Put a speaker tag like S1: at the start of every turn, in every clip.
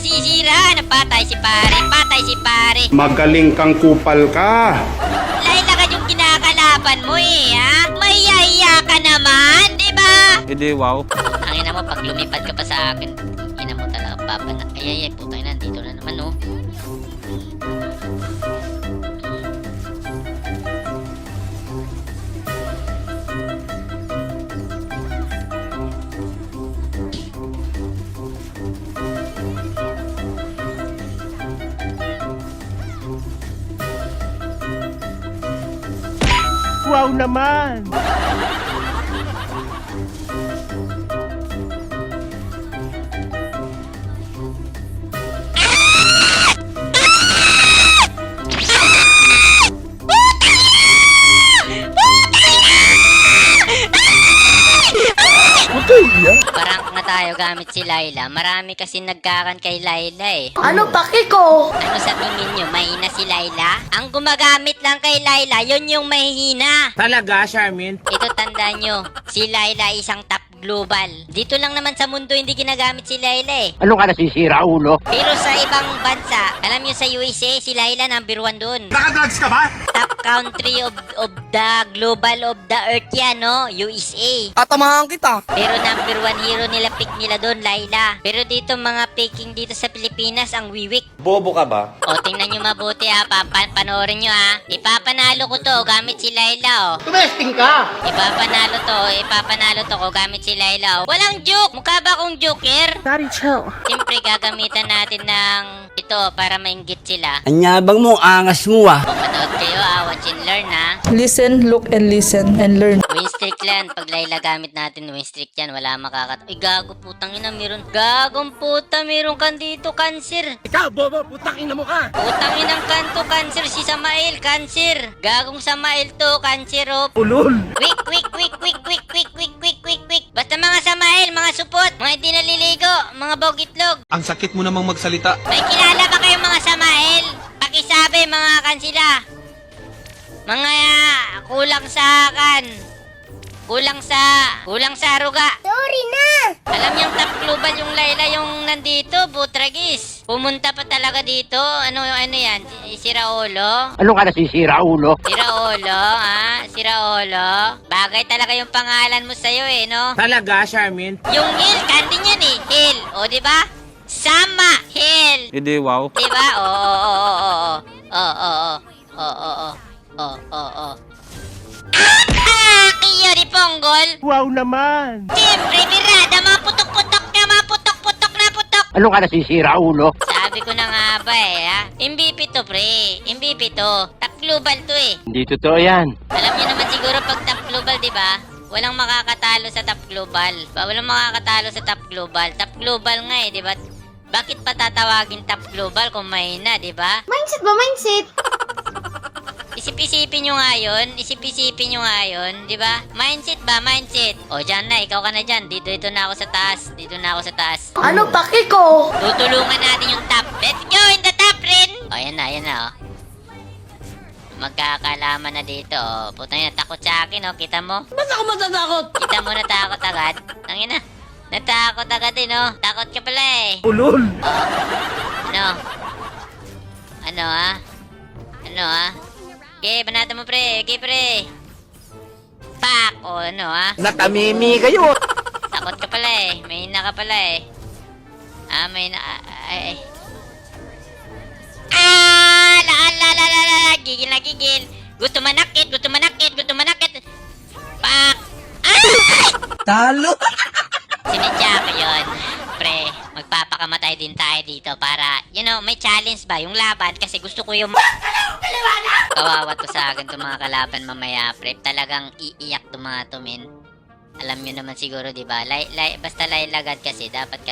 S1: nasisira? Napatay si pare, patay si pare.
S2: Magaling kang kupal ka.
S1: Layla ka yung kinakalaban mo eh, ha? Mahihiya ka naman, di ba?
S3: Hindi, wow.
S1: Ang ina mo, pag lumipad ka pa sa akin, ina mo talaga, papa na. Ay, putang ina, dito na naman, oh.
S4: Wow naman!
S1: Parang nga tayo gamit si Layla. Marami kasi nagkakan kay Layla eh.
S5: Ano paki ko?
S1: Ano sa tingin nyo, mahina si Layla? Ang gumagamit lang kay Layla, yun yung mahihina.
S4: Talaga, Charmin?
S1: Ito tanda nyo, si Layla isang top global. Dito lang naman sa mundo hindi ginagamit si Layla eh.
S4: Ano ka nasisira, ulo?
S1: Pero sa ibang bansa, alam nyo sa USA, si Layla number 1 dun.
S4: Nakadrugs ka ba?
S1: Top country of the global of the earth yan, no? USA.
S6: Tatamahan kita.
S1: Pero number 1 hero nila, pick nila doon, Layla. Pero dito mga picking dito sa Pilipinas, ang wiwik.
S2: Bobo ka ba?
S1: O, tingnan nyo mabuti ha, panoorin nyo ha. Ipapanalo ko to, gamit si Layla, o.
S5: Tumesting ka!
S1: Ipapanalo to ko, gamit si Layla, o. Walang joke! Mukha ba akong joker?
S5: Daddy, chill.
S1: Siyempre, gagamitan natin ng ito para mainggit sila.
S6: Anyabang mo, angas mo ah.
S1: O, manood kayo ha, watch and learn ha.
S7: Listen, look, and listen, and learn.
S1: Win streak lang. Pag Layla gamit natin, win streak yan. Wala makakat... Uy, gago, putang ina, meron. Gagong puta, meron kan dito, cancer.
S4: Ikaw, bobo, putang ina mo ka!
S1: Putang inang kanto, cancer. Si Samael, cancer. Gagong Samael to, cancer, oh.
S4: Ulol!
S1: Quick, quick, quick, quick, quick, quick, quick, quick, quick, quick. Basta mga Samael, mga supot, mga hindi naliligo, mga bogitlog.
S3: Ang sakit mo namang magsalita.
S1: May kilala ba kayong mga Samael? Pakisabi, mga kansila. Mga kulang sa kulang sa aruga.
S5: Sorry na!
S1: Alam niyang top global yung Layla yung nandito, Butragis. Pumunta pa talaga dito. Ano yan? Si Raolo?
S4: Ano ka nasisira, ulo?
S1: Si Raolo, ha? Si Raolo. Bagay talaga yung pangalan mo sa'yo eh, no?
S4: Talaga, Charmin?
S1: Yung Hill, kandi niyan eh. Hill, o diba? Sama, Hill.
S3: Hindi, wow.
S1: Diba? Oo. Kiyo ni Ponggol.
S4: Wow naman!
S1: Siyempre, birada, mga putok-putok na putok.
S4: Ano ka nasisira, ulo?
S1: Sabi ko na nga ba eh, ha? MVP to, pre. MVP to. Top global to eh.
S4: Hindi totoo yan.
S1: Alam niyo naman siguro pag top global, di ba? Walang makakatalo sa top global. Walang makakatalo sa top global. Top global nga eh, di ba? Bakit pa tatawagin top global kung mahina, di ba?
S5: Mindset ba? Mindset?
S1: Isip-isipin nyo nga yun. Isip-isipin nyo nga yun. Di ba? Mindset ba? Mindset. O, dyan na. Ikaw ka na dyan. Dito na ako sa taas.
S5: Ano paki ko?
S1: Tutulungan natin yung top. Let's go in the top, rin! O, yan na, o. Magkakalaman na dito, o. Putang ina, takot sa akin, o. Kita mo?
S6: Ba't ako matatakot?
S1: Kita mo natakot agad? Tangina. Natakot agad eh, no? Takot ka pala eh.
S4: Ulol!
S1: Ano? Ano, ha? Ano, ha? Okay, banata mo, pre. Okay, pre. Pak! O, ano, ha?
S6: Natamimi kayo.
S1: Takot ka pala eh. May hina ka pala eh. May hina... Ay. La. Gigil na gigil. Gusto manakit. Pak!
S6: Talo.
S1: Sinadya ko yun. Pre, magpapakamatay din tayo dito para, may challenge ba yung laban kasi gusto ko yung... Kawawa to sa akin itong mga kalaban mamaya, pre. Talagang iiyak itong mga tumin. Alam nyo naman siguro, di ba? Basta laylagad kasi, dapat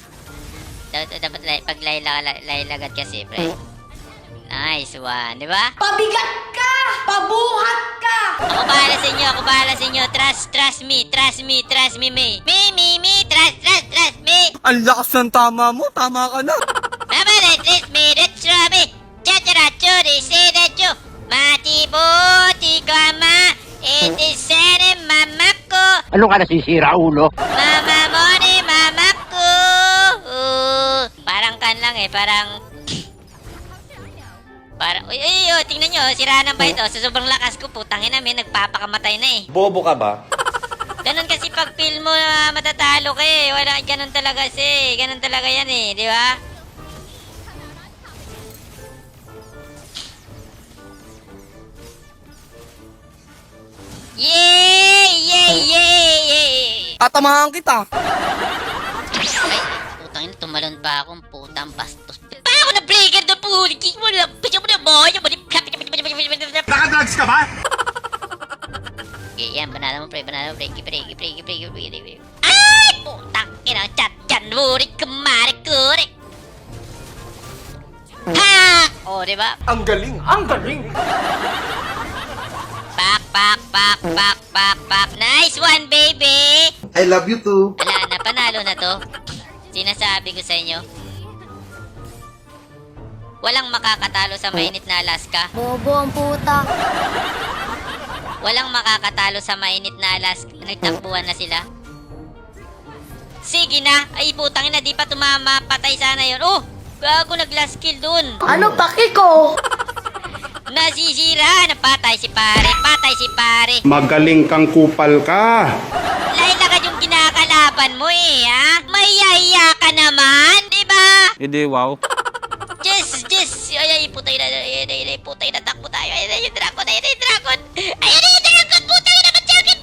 S1: pag laylagad kasi, pre. Nice one, di ba?
S5: Pabigat ka! Pabuhat ka!
S1: Ako bahala sa inyo. Trust me, me. Me, trust me.
S6: Ang lakas ng tama mo. Tama ka na.
S1: Mama, trust me, Chachara, churi, sedacho. Mati, boti, gama. Itisene, mama ko.
S4: Ano ka nasisira, ulo?
S1: Mama mo ni mama ko. Parang kan lang lang eh, parang... tingnan nyo, sira ng ba ito? Sa sobrang lakas ko, putang ina, may nagpapakamatay na eh.
S2: Bobo ka ba?
S1: Ganun kasi pag feel mo na matatalo ka eh. Wala, ganun talaga kasi. Ganun talaga yan eh, di ba? Yay! Yay! Yay! Yay!
S6: Tatamahan kita.
S1: Ay, putang ina, tumalon pa akong putang bastos. Pa ako na breaker doon po! Kick mo na! Pisyo mo na boy!
S2: Nakadrugs ka ba?
S1: Okay, yan. Banana mo, pre. Banana mo, pre. Pre. Ay! Putang ina, chat dyan. Burik, kumari, kurik. Ha! O, diba?
S6: Ang galing, ang galing.
S1: Pak. Nice one, baby!
S2: I love you too.
S1: Wala na, panalo na to. Sinasabi ko sa inyo. Walang makakatalo sa mainit na Alaska.
S5: Bobo ang puta.
S1: Walang makakatalo sa mainit na Alaska. Nagtakbuhan na sila. Sige na. Ay, putang ina, di pa tumama. Patay sana yun. Oh! Gago, nag-last kill dun.
S5: Ano paki ko?
S1: Nasisira. Napatay si pare. Patay si pare.
S2: Magaling kang kupal ka.
S1: Layla ka yung kinakalaban mo eh, ha? Mayahiya ka naman, di ba?
S3: Hindi, wow.
S1: Yes! Ay, putay na, putay na, takbo tayo. Ayun yung dragon. Ayun yung dragon, putay na,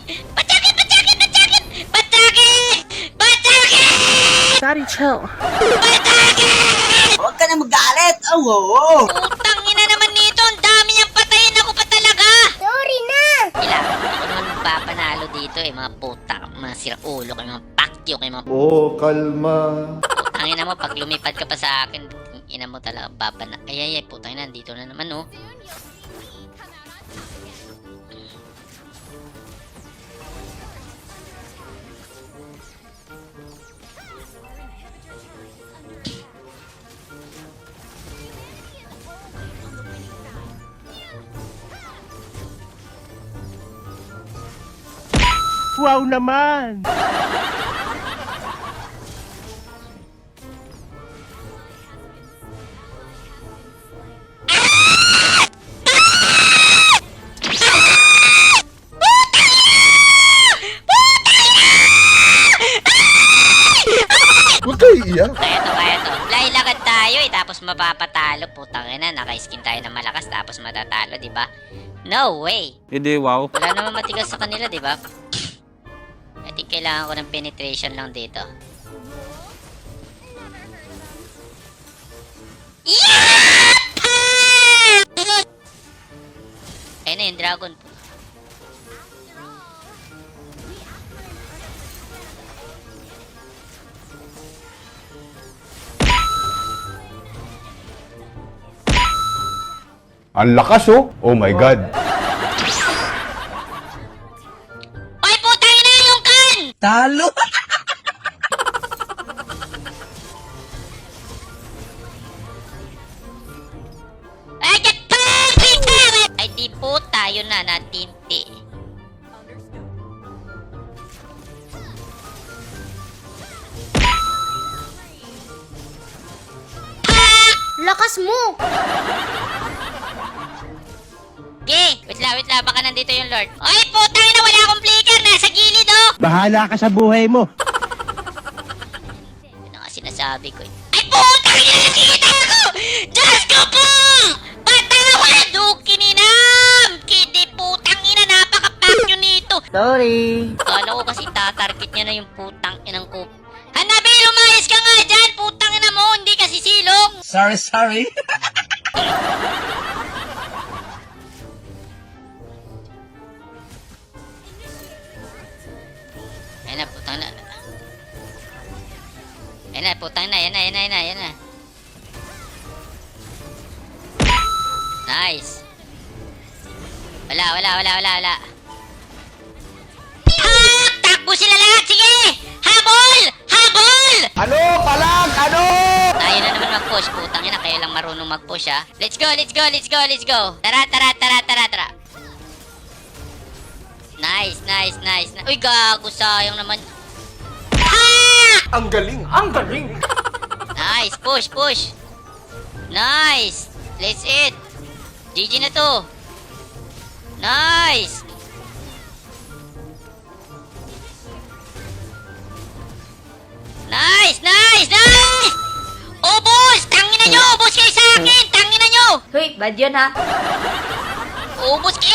S1: batyakin!
S7: Daddy, chill.
S6: Huwag ka na magalit. Oo.
S1: Putang ina naman nito, ang dami niyang patayin, ako pa talaga!
S5: Sorry na.
S1: Kailangan ako naman magpapanalo dito eh, mga puta, mga siraulo, kayo mga pakyo, kayo mga
S2: Oh, kalma.
S1: putang ina mo, pag lumipad ka pa sa akin, ina mo talaga, baba na. Ay, putang ina, dito na naman, oh.
S4: Wow naman.
S2: Huwag kayo iiyak.
S1: Kaya to. Lailakad tayo eh, tapos mapapatalo. Putang ina, naka-skin tayo na malakas, tapos matatalo, di ba? No way!
S3: Hindi, wow.
S1: Wala naman matigas sa kanila, di ba? I think kailangan ko ng penetration lang dito. Yeah! Ayun na yung dragon.
S2: Ang lakas oh. Oh my God.
S1: Ay, putang ina yung kan!
S6: Talo.
S1: Ay, ay, di po tayo na natinti.
S5: Lakas mo.
S1: Wait lang, baka nandito yung Lord. Ay, putang ina, wala akong flicker, nasa gilid, oh!
S4: Bahala ka sa buhay mo.
S1: Yun ang sinasabi ko. Ay, putang ina, nakikita ako! Diyos ko po! Patawad! Dukininam! Kidi, putang ina, napaka-pakyo nito!
S6: Sorry.
S1: Kala ko kasi tatarget niya na yung putang inang ko. Hanabi, lumayas ka nga dyan! Putang ina mo, hindi kasi silong!
S6: Sorry.
S1: Ayun na, putang na. Ayun na, putang na. Yan na. Nice. Wala. Takbo sila lahat! Sige! Habol!
S6: Ano? Palag! Ano?
S1: Tayo na naman mag-push. Putang ina, kayo lang marunong mag-push, ha? Let's go! Tara. Nice. Uy, gago, sayang naman.
S6: Ang galing, ang galing.
S1: Nice, push. Nice! Let's eat! GG na to! Nice! Nice! Nice! Nice! Ubus! Tangin na nyo! Ubus kayo sa akin! Tangin na nyo!
S5: Hoy, bad yun ha.
S1: Ubus kayo!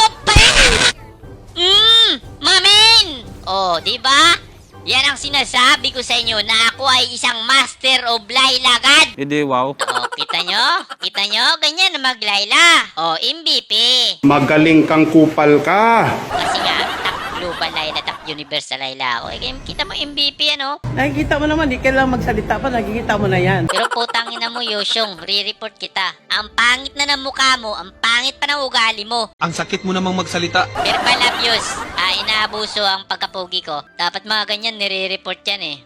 S1: Mamin! Oh, di ba? Yan ang sinasabi ko sa inyo na ako ay isang master of laylagad.
S3: Hindi, wow.
S1: Oh, kita nyo? Kita nyo? Ganyan na maglayla. Oh, MVP.
S2: Magaling kang kupal ka.
S1: Kasi nga, top global layla, top universal layla ako. Eh, kita mo MVP, ano?
S6: Nakikita mo naman, di kailangan magsalita pa, nakikita mo na yan.
S1: Pero putangin na mo, Yosyong, re-report kita. Ang pangit na ng mukha mo, ang pangit pa ng ugali mo.
S3: Ang sakit mo namang magsalita.
S1: Verbal abuse, inaabuso ang pagkapugi ko. Dapat mga ganyan, nire-report yan eh.